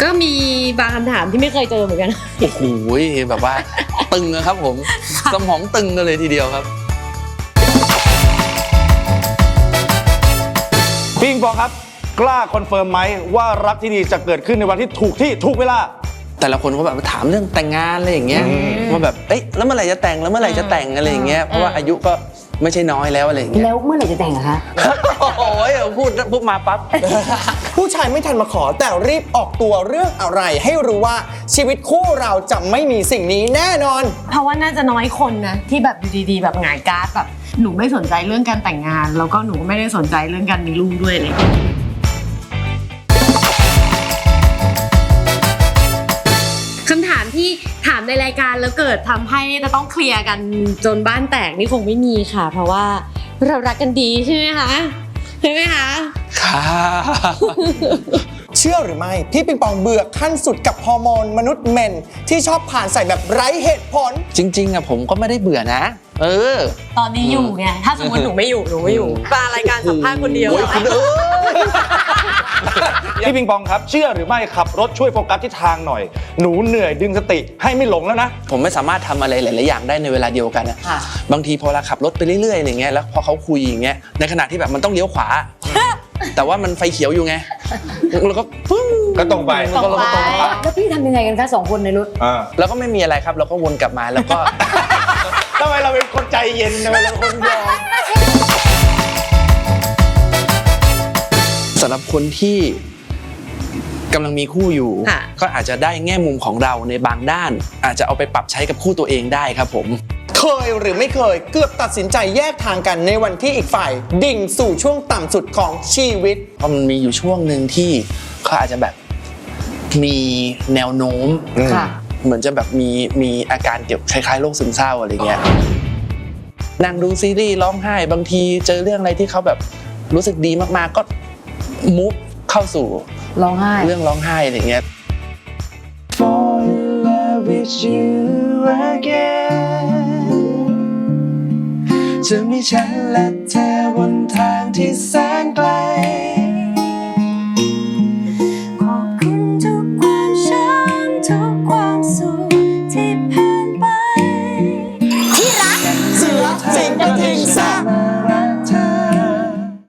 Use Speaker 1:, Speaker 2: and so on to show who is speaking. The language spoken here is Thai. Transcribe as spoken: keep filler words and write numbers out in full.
Speaker 1: ก็มีบางคำถามที่ไม่เคยเจอเหมือนกัน
Speaker 2: โอ้โหแบบว่าตึงนะครับผมสมองตึงกันเลยทีเดียวครับ
Speaker 3: พี่ปิงปองครับกล้าคอนเฟิร์มไหมว่ารักที่ดีจะเกิดขึ้นในวันที่ถูกที่ถูกเวลา
Speaker 2: แต่ละคนก็แบบถามเรื่องแต่งงานอะไรอย่างเงี้ยว่าแบบเอ๊ะแล้วเมื่อไหร่จะแต่งแล้วเมื่อไหร่จะแต่งอะไรอย่างเงี้ยเพราะว่าอายุก็ไม่ใช่น้อยแล้วอะไรอย่างเงี้ย
Speaker 4: แล้วเมื่อไหร่จะแต่งอะคะ
Speaker 2: โอ้ยพูดพูดมาปั๊บ
Speaker 5: ผู้ชายไม่ทันมาขอแต่รีบออกตัวเรื่องอะไรให้รู้ว่าชีวิตคู่เราจะไม่มีสิ่งนี้แน่นอน
Speaker 1: เพราะว่าน่าจะน้อยคนนะที่แบบอยู่ดีๆแบบหงายการ์ดแบบหนูไม่สนใจเรื่องการแต่งงานแล้วก็หนูก็ไม่ได้สนใจเรื่องการมีลูกด้วยเลยคำถามที่ถามในรายการแล้วเกิดทำให้จะต้องเคลียร์กันจนบ้านแตกนี่คงไม่มีค่ะเพราะว่าเรารักกันดีใช่ไหมคะใช่ไหมคะ
Speaker 2: ค่ะ
Speaker 5: เชื่อหรือไม่พี่ปิงปองเบื่อขั้นสุดกับฮอร์โมนมนุษย์เมนที่ชอบผ่านใส่แบบไร้เหตุผล
Speaker 2: จริงๆอะผมก็ไม่ได้เบื่อนะเออ
Speaker 1: ตอนนี้อยู่ไงถ้าสมมติหนูไม่อยู่หนูไม่อยู่มารายการสัมภาษณ์คนเดียว
Speaker 3: พี่ปิงปองครับเชื่อหรือไม่ขับรถช่วยโฟกัสที่ทางหน่อยหนูเหนื่อยดึงสติให้ไม่หลงแล้วนะ
Speaker 2: ผมไม่สามารถทำอะไรหลายๆอย่างได้ในเวลาเดียวกันนะบางทีพอเราขับรถไปเรื่อยๆอย่างเงี้ยแล้วพอเขาคุยอย่างเงี้ยในขณะที่แบบมันต้องเลี้ยวขวาแต่ว่ามันไฟเขียวอยู่ไงแล้วก็ปึ้ง
Speaker 3: ก็ตรงไป
Speaker 1: ตรงไป
Speaker 4: แล้วพี่ทำยังไงกันคะสองคนในรถ
Speaker 2: แล้วก็ไม่มีอะไรครับเราก็วนกลับมาแล้วก็
Speaker 3: ทำไมเราเป็นคนใจเย็นทำไมเราเป็นคนยอม
Speaker 2: สำหรับคนที่กำลังมีคู่อยู่ก็อาจจะได้แง่มุมของเราในบางด้านอาจจะเอาไปปรับใช้กับคู่ตัวเองได้ครับผม
Speaker 5: เคยหรือไม่เคยเกือบตัดสินใจแยกทางกันในวันที่อีกฝ่ายดิ่งสู่ช่วงต่ำสุดของชีวิต
Speaker 2: เพราะมันมีอยู่ช่วงหนึ่งที่เขาอาจจะแบบมีแนวโน้มเหมือนจะแบบมีมีอาการเกี่ยวคล้ายๆโรคซึมเศร้าอะไรเงี้ยนั่งดูซีรีส์ร้องไห้บางทีเจอเรื่องอะไรที่เขาแบบรู้สึกดีมากๆก็มุฟเข้าสู่
Speaker 4: ร้องไห้
Speaker 2: เรื่องร้องไห้อะไรเงี้ย Fall in love with you again จะมีฉันและเธอบนทางที่แสนไกล